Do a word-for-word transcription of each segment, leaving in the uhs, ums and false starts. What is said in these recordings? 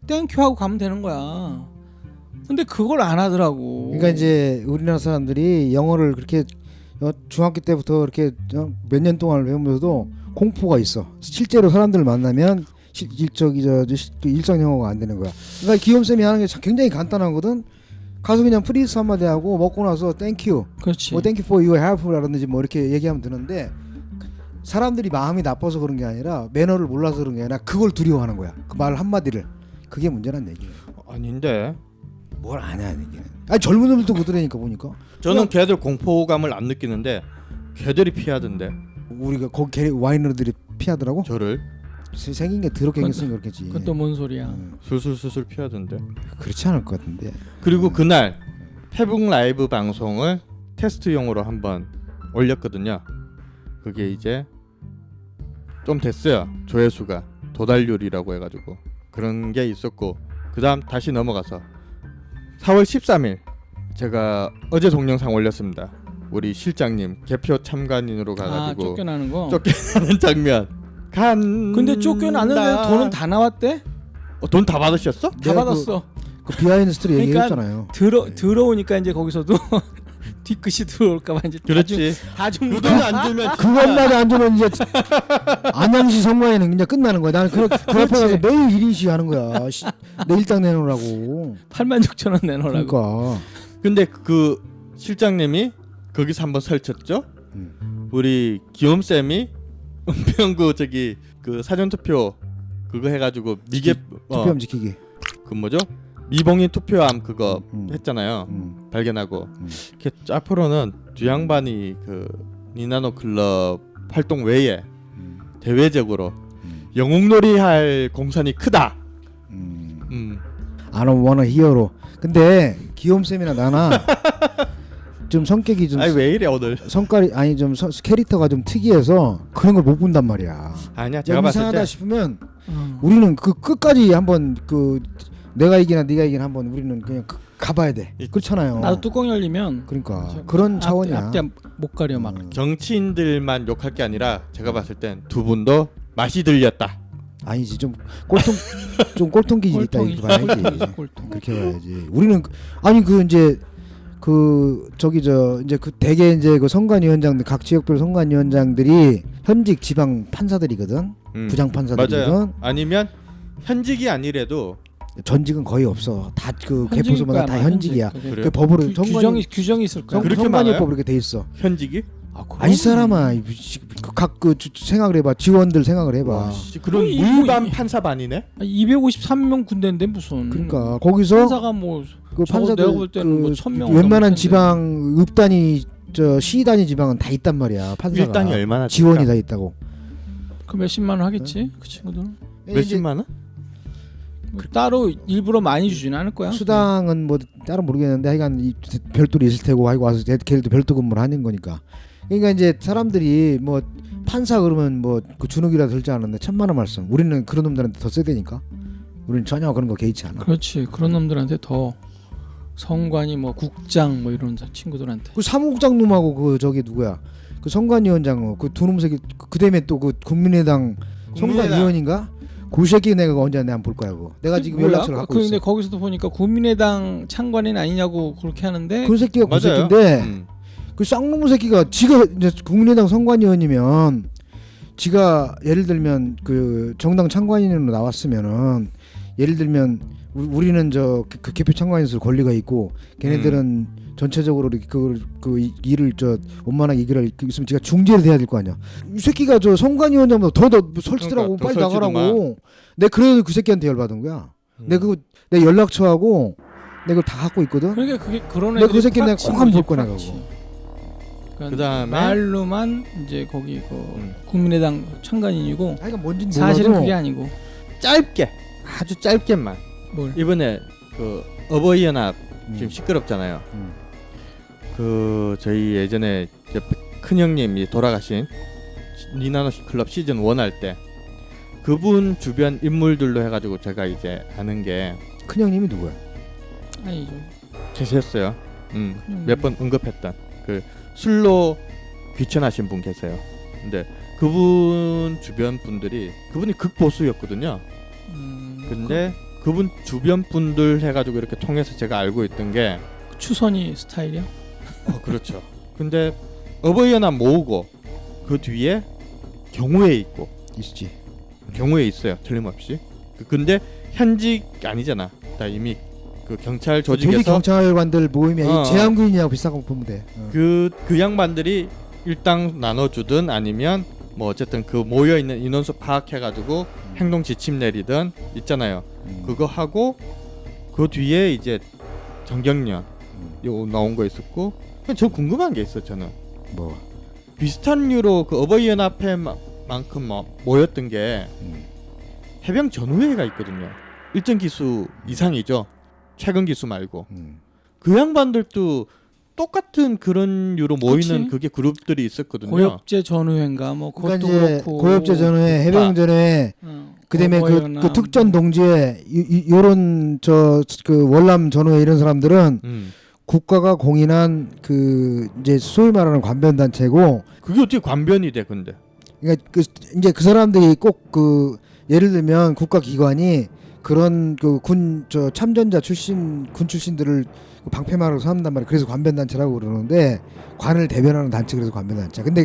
땡큐 하고 가면 되는 거야. 근데 그걸 안 하더라고. 그러니까 이제 우리나라 사람들이 영어를 그렇게 어, 중학교 때부터 이렇게 어, 몇 년 동안 배우면서도 공포가 있어. 실제로 사람들을 만나면 실, 일적이 저, 저 일상 영어가 안 되는 거야. 그러니까 기욤 쌤이 하는 게 굉장히 간단하거든. 가서 그냥 프리스 한마디 하고 먹고 나서 땡큐, 그렇지. 뭐 땡큐 for your help라든지 뭐 이렇게 얘기하면 되는데 사람들이 마음이 나빠서 그런 게 아니라 매너를 몰라서 그런 게 아니라 그걸 두려워하는 거야. 그 말 한마디를. 그게 문제란 얘기예요. 아닌데. 뭘 아냐 얘기는. 아니 젊은 놈들도 그러니까 보니까. 저는 걔들 공포감을 안 느끼는데 걔들이 피하던데. 우리가 거기 걔 와이너들이 피하더라고? 저를 세- 생긴 게 더럽게 생겼으니 그렇겠지. 그건 또 뭔 소리야. 음, 술술술술 피하던데. 그렇지 않을 것 같은데. 그리고 그날 페북 라이브 방송을 테스트용으로 한번 올렸거든요. 그게 이제 좀 됐어요. 조회수가 도달률이라고 해가지고 그런 게 있었고, 그 다음 다시 넘어가서 사월 십삼일 제가 어제 동영상 올렸습니다. 우리 실장님 개표 참관인으로 아 가가지고 쫓겨나는 거. 쫓겨나는 장면. 간. 근데 쫓겨났는데 돈은 다 나왔대? 어, 돈 다 받으셨어? 다 내가 받았어. 그 비하인드 스토리 그러니까 얘기했잖아요. 들어 들어오니까 이제 거기서도 뒤끝이 들어올까봐 이제 그렇지. 다중 그 돈 안 주면 그것만 안 주면 이제 안양시 선관위는 그냥 끝나는 거야. 나는 그, 그 앞에 가서 매일 일 인시 하는 거야. 시, 내 일당 내놓으라고. 팔만 육천 원 내놓으라고. 그러니까. 근데 그 실장님이 거기서 한번 설쳤죠. 음. 우리 기욤 쌤이 은평구 저기 그 사전 투표 그거 해가지고 미개 어, 투표함 지키기. 그 뭐죠? 미봉인 투표함 그거 음. 했잖아요. 음. 발견하고. 음. 이렇게 앞으로는 뒤양반이 그 니나노 클럽 활동 외에 음. 대외적으로 음. 영웅놀이 할 공산이 크다. 음. 음. I don't wanna hero로. 근데 기욤 쌤이나 나나 좀 성격이 좀 아니 왜 이래 오늘? 성깔이 아니 좀 서, 캐릭터가 좀 특이해서 그런 걸 못 본단 말이야. 아니야 제가 좀 봤을 이상하다 때 싶으면 어. 우리는 그 끝까지 한번 그 내가 이기나 네가 이기나 한번 우리는 그냥 그, 가봐야 돼. 이- 그렇잖아요. 나도 뚜껑 열리면 그러니까 저- 그런 앞- 차원이야. 앞뒤 못 가려 막. 음. 정치인들만 욕할 게 아니라 제가 봤을 땐 두 분도 맛이 들렸다. 아니지 좀 꼴통 좀 꼴통 기질 있다 꼴통이- 이렇게 봐야지. 꼴통, 꼴통. 그렇게 봐야지. 우리는 그- 아니 그 이제 그 저기 저 이제 그 대개 이제 그 선관위원장들 각 지역별 선관위원장들이 현직 지방 판사들이거든. 음. 부장 판사들이거든. 맞아요. 아니면 현직이 아니래도 전직은 거의 없어. 다 그 현직일 개포소마다 거야, 다 아마 현직이야. 현직. 그게 그래요? 그 법으로 규, 선관위 규정이 규정이 있을 거야. 성, 그렇게 선관위법 많아요? 이렇게 돼 있어. 현직이? 아, 그럼. 아니 사람아 각그 생각을 해봐. 지원들 생각을 해봐. 와, 씨, 그런 거의 물반 뭐 이- 판사반이네. 이백오십삼 명 군대인데 무슨. 그러니까 거기서 판사가 뭐 그 적어도 판사들 내가 볼 때는 뭐 그 천 명 웬만한 넘을 텐데. 지방 읍단위 저 시단위 지방은 다 있단 말이야. 판사가 일당이 얼마나 지원이 될까? 다 있다고. 그 몇십만 원 하겠지 그 친구들은. 몇십만 원? 뭐 따로 일부러 많이 주지는 않을 거야. 수당은 뭐 따로 모르겠는데 하여간 이 별도로 있을 테고 하고 와서 걔들도 별도 근무를 하는 거니까. 그러니까 이제 사람들이 뭐 판사 그러면 뭐 그 준욱이라 들지 않았는데 천만 원 말씀. 우리는 그런 놈들한테 더 세대니까. 우리는 전혀 그런 거 개의치 않아. 그렇지. 그런 놈들한테 더 성관이 뭐 국장 뭐 이런 친구들한테. 그 사무국장 놈하고 그 저기 누구야? 그 선관위원장 그 두 놈 새끼 그 다음에 또 그 국민의당 선관위원인가? 그 새끼 내가 언제 내가 볼 거야 그거. 내가 지금 뭐야? 연락처를 갖고 그 있어. 근데 거기서도 보니까 국민의당 창관인 아니냐고 그렇게 하는데. 그 새끼가 그 맞아요. 새끼인데 음. 그 쌍놈 새끼가 지가 이제 국민의당 선관위원이면 지가 예를 들면 그 정당 창관인으로 나왔으면은 예를 들면 우- 우리는 저 그 개표 창관인으로 권리가 있고 걔네들은 음. 전체적으로 이렇게 그, 그 이- 일을 저 원만하게 일을 있으면 지가 중재를 해야 될 거 아니야. 이 새끼가 저 선관위원장보다 더더 설치더라고. 그러니까 더 빨리 나가라고. 설치더만. 내가 그래도 그 새끼한테 열받은 거야. 음. 내가 그거 내 연락처하고 내가 그걸 다 갖고 있거든. 그러니까 그게 그런 내가 그 애들이 새끼 내가 프락치인 꼭 한번 거지, 볼 거네, 프락치. 그거. 그러니까 그다음에 말로만 이제 거기 그 음. 국민의당 창관인이고 하여간 뭔진 사실은 몰라도 그게 아니고 짧게 아주 짧게만 뭘. 이번에 그 어버이 연합 음. 지금 시끄럽잖아요. 음. 그 저희 예전에 이제 큰 형님이 돌아가신 니나노 클럽 시즌 일 할 때 그분 주변 인물들로 해가지고 제가 이제 아는 게 큰 형님이 누구야? 아니죠. 계셨어요. 음, 그냥 몇 번 언급했던 그 술로 귀천하신 분 계세요. 근데 그분 주변 분들이 그분이 극보수였거든요. 음, 근데 그분 주변 분들 해가지고 이렇게 통해서 제가 알고 있던 게 추선이 스타일이야? 어, 그렇죠. 근데 어버이연합 모으고 그 뒤에 경우에 있고 있지. 경우에 있어요. 틀림없이. 그- 근데 현직 아니잖아. 다 이미 그 경찰 조직 조직에서 경찰관들 모임이 어. 제한군인이하고 비슷한 거 보면 돼. 어. 그, 그 양반들이 일당 나눠주든 아니면 뭐 어쨌든 그 모여있는 인원수 파악해가지고 행동 지침 내리든 있잖아요. 음. 그거 하고 그 뒤에 이제 정경련 음. 요 나온 거 있었고 그냥 저 궁금한 게 있어. 저는 뭐 비슷한 류로 그 어버이연합회만큼 뭐 모였던 게 음. 해병 전우회가 있거든요. 일정 기수 이상이죠. 최근 기수 말고. 음. 그 양반들도 똑같은 그런 류로 모이는 그치. 그게 그룹들이 있었거든요. 고엽제 전후회인가 뭐 그것도 그러니까 이제 그렇고 고엽제 전후회, 해병 전후회, 어, 그다음에 그, 어버이연합. 그 특전 동지회 이, 이, 요런 저 그 월남 전후회 이런 사람들은 음. 국가가 공인한 그 이제 소위 말하는 관변 단체고, 그게 어떻게 관변이 돼 근데? 그러니까 그 이제 그 사람들이 꼭 그 예를 들면 국가 기관이 그런 그 군 저 참전자 출신 군 출신들을 방패막으로 삼는단 말이야. 그래서 관변 단체라고 그러는데 관을 대변하는 단체 그래서 관변 단체. 근데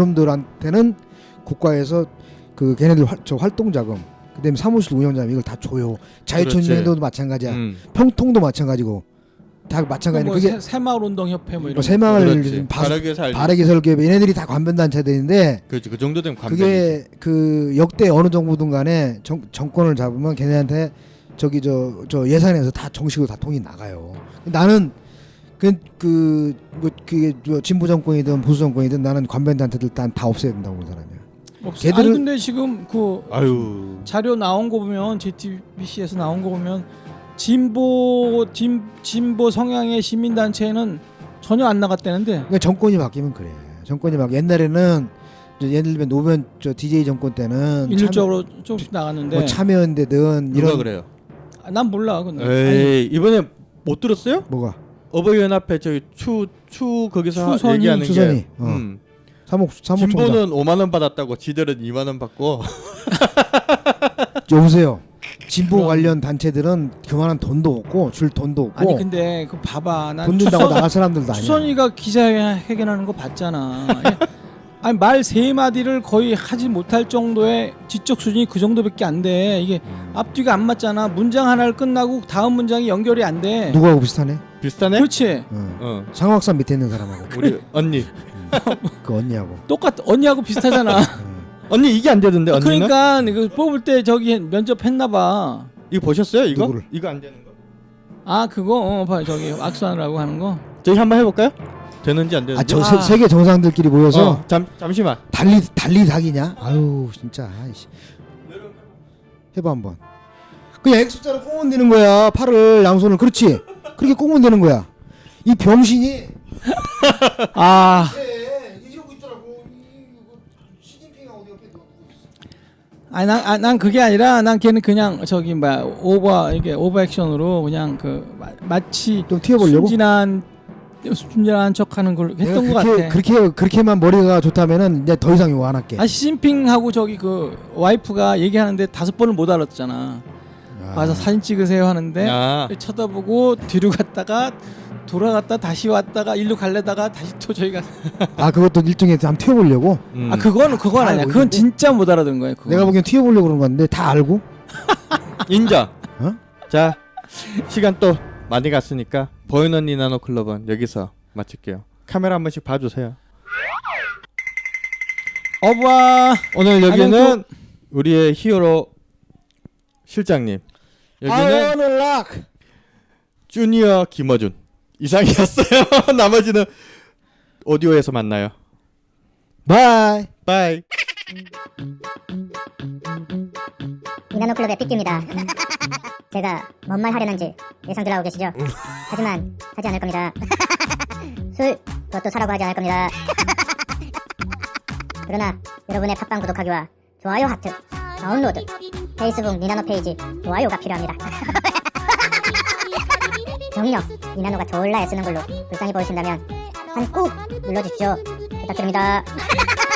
그놈들한테는 국가에서 그 걔네들 활, 저 활동 자금, 그다음에 사무실 운영자금 이걸 다 줘요. 자유촌년도도 마찬가지야. 음. 평통도 마찬가지고 다 마찬가지. 뭐 그게 새- 새마을 운동 협회 뭐 이런 뭐 새마을 그렇지. 바, 바르게 살기. 바르게 설계 얘네들이 다 관변 단체들인데 그렇지. 그 정도 되면 관변이. 그게 그 역대 어느 정부든 간에 정, 정권을 잡으면 걔네한테 저기 저, 저 예산에서 다 정식으로 다 돈이 나가요. 나는 그 그 뭐 그게 뭐 진보 정권이든 보수 정권이든 나는 관변 단체들 다, 다 없애야 된다고 보는 사람이야. 없어. 걔들은- 아니 근데 지금 그 아유. 자료 나온 거 보면 제이티비씨에서 나온 거 보면 진보 진, 진보 성향의 시민 단체는 전혀 안 나갔다는데. 그러니까 정권이 바뀌면 그래. 정권이 막 옛날에는 이제 예를 들면 노무현 저 디제이 정권 때는 일률적으로 조금씩 나갔는데. 참, 뭐 참여연대든 누가 이런 그래요? 아, 난 몰라 근데. 에이 이번에 못 들었어요? 뭐가 어버이연합회 저기 추, 추 거기서 추선이, 얘기하는 추선이. 게 어. 음. 사목 사무총장 진보는 오만 원 받았다고 지들은 이만 원 받고 여보세요. 진보 그럼. 관련 단체들은 그만한 돈도 없고 줄 돈도 없고 아니 근데 그 봐봐 난 돈 준다고 추선- 나갈 사람들도 아니야. 추선이가 기자회견하는 거 봤잖아. 아니 말 세 마디를 거의 하지 못할 정도의 지적 수준이 그 정도밖에 안 돼. 이게 앞뒤가 안 맞잖아. 문장 하나를 끝나고 다음 문장이 연결이 안 돼. 누구하고 비슷하네? 비슷하네? 그렇지. 어. 어. 상학산 밑에 있는 사람하고 우리 언니. 그 언니하고. 똑같 언니하고 비슷하잖아. 어. 언니 이게 안 되던데 언니는? 그러니까 그 뽑을 때 저기 면접했나 봐. 이거 보셨어요? 이거? 누구를? 이거 안 되는 거? 아 그거 어, 봐 저기 악수하느라고 하는 거. 저희 한번 해볼까요? 되는지 안 되는지? 아 저 아. 세계 정상들끼리 모여서 어, 잠 잠시만. 달리 달리 사기냐? 아유 진짜. 아이씨. 해봐 한번. 그냥 X자로 꽁은 되는 거야. 팔을 양손을 그렇지. 그렇게 꽁은 되는 거야. 이 병신이. 아 네, 이러고 있더라고. 시진핑하고 옆에 누구 있어? 아니 난, 아, 난 그게 아니라 난 걔는 그냥 저기 뭐야 오버 이게 오버 액션으로 그냥 그 마, 마치 좀 튀어보려고. 순진한 순진한 척하는 걸 했던 것 그렇게, 같아. 그렇게 그렇게만 머리가 좋다면은 이제 더 이상 요구 안 할게. 아 시진핑하고 저기 그 와이프가 얘기하는데 다섯 번을 못 알았잖아. 아. 와서 사진 찍으세요 하는데 아, 쳐다보고 뒤로 갔다가 돌아갔다 다시 왔다가 일로 갈래다가 다시 또 저희가 아 그것도 일종의 한번 튀어보려고. 음. 아 그거는 그건 다 아니야. 알고 그건 있는데? 진짜 못 알아듣는 거예요. 그거. 내가 보기엔 튀어보려고 그런 건데 다 알고. 인정. 어? 자, 시간 또 많이 갔으니까 보이는 언니 나노 클럽은 여기서 마칠게요. 카메라 한 번씩 봐주세요. 어부아 오늘 여기는 안녕, 우리의 히어로 실장님. 여기는 아이언을 락. 주니어 김어준 이상이었어요. 나머지는 오디오에서 만나요. 바이. 바이. 이나노클럽의 삐끼입니다. 제가 뭔 말 하려는지 예상 들어가고 계시죠? 하지만 하지 않을 겁니다. 술 그것도 사라고 하지 않을 겁니다. 그러나 여러분의 팟빵 구독하기와 좋아요 하트, 다운로드, 페이스북 니나노 페이지 좋아요가 필요합니다. 정녕 니나노가 졸라 애쓰는 걸로 불쌍히 보이신다면 한 꾹 눌러주십시오. 부탁드립니다.